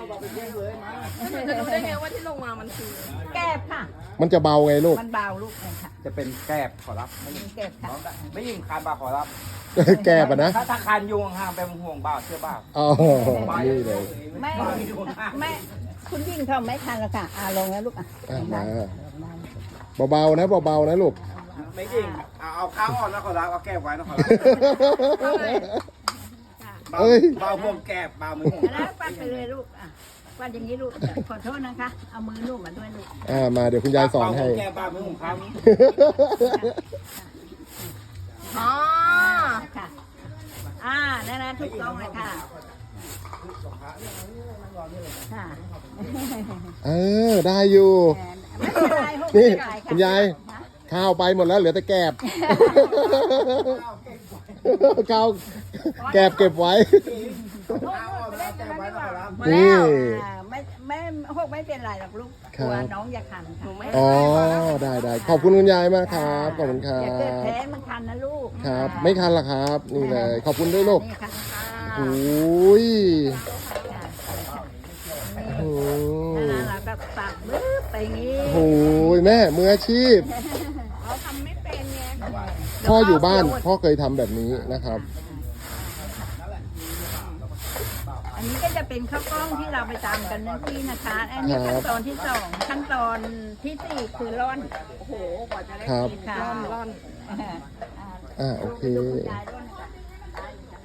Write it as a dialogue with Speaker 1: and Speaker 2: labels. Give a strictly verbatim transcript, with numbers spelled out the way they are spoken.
Speaker 1: จะดูได้ไงว่าที่ลงมามันคือ
Speaker 2: แก้บค่ะ
Speaker 3: มันจะเบาไงลูก
Speaker 2: มันเบาลูกเลยค่ะ
Speaker 4: จะเป็นแกบขอรับไม่ยิง
Speaker 2: แก้บค่ะ
Speaker 4: ไม่ยิงคานบ่าขอรับ
Speaker 3: แก้ปะนะ
Speaker 4: ถ้าถ้าคานยุงห่างไปห่วงบ่าเชื่อบ่า
Speaker 3: อ๋อนี่เลย
Speaker 2: ไม่ไม่คุณยิ่งเขาไม่ทันแล้วค่ะอ่าลงแล้วลูกอ่ะ
Speaker 3: อ่ะมาเบาๆนะเบาๆนะลูก
Speaker 4: ไม่ยิงเอาเอาข้าวอ่อนนะขอรับเอาแกบไว้นะขอรับ
Speaker 3: เอ้ย
Speaker 4: เบาห่วงแกบเบามือห่วง
Speaker 2: แล้วปั้นไปเลยลูกอ่ะปั้นอย่างนี้ลูกขอโทษนะคะเอามือลูกมาด้วยลูก
Speaker 3: อ่ามาเดี๋ยวคุณยายสอนให้
Speaker 4: เบาห่วงแกบเบามือห่วงครับ
Speaker 1: อ๋อ
Speaker 2: ค่ะอ่านั่นนะถูกต้องเลยค่ะค่ะ
Speaker 3: เออได้อยู่
Speaker 2: ไม่เป็นไรหก
Speaker 3: นี่
Speaker 2: ไม่เป็นไระ
Speaker 3: คุณยายข้าวไปหมดแล้วเหลือแต่แกบข้าวแกบเก็บไว้ นี่
Speaker 2: อ่าไม่ไม่หกไม่เป็นไรหรอกลูก
Speaker 3: ครั
Speaker 2: ก
Speaker 3: บ
Speaker 2: ลัวน้องอย่าคันค่ะ
Speaker 3: อ๋อได้ได้ขอบคุณคุณยายมากครับขอบคุณครั
Speaker 2: อย่าเกิด
Speaker 3: บ
Speaker 2: แพ้มันคันนะลูก
Speaker 3: ครับ ไม่คันหรอกครับ นี่เลย ขอบคุณด้วยลูก
Speaker 2: นี่ค่ะ
Speaker 3: โอ้ยโอ้
Speaker 2: นั่นนะเราก็ปักบึ้บไปอย่างนี้
Speaker 3: โหแม่มืออาชีพ
Speaker 1: เราทำไม่เป็นไง
Speaker 3: พ่ออยู่บ้านพ่อเคยทำแบบนี้นะครับ
Speaker 2: อันนี้ก็จะเป็นข้าวกล้องที่เราไปตามกันนั่นที่นะคะ อันนี้ขั้นตอนที่สองขั้นตอนที่สี่คือร่อน
Speaker 1: โอ้โหกว่าจะได้
Speaker 3: ครับ
Speaker 1: กินร่อนร่อน
Speaker 2: อ่า
Speaker 3: อ่าโอเค
Speaker 2: ดูคุณยายด้วย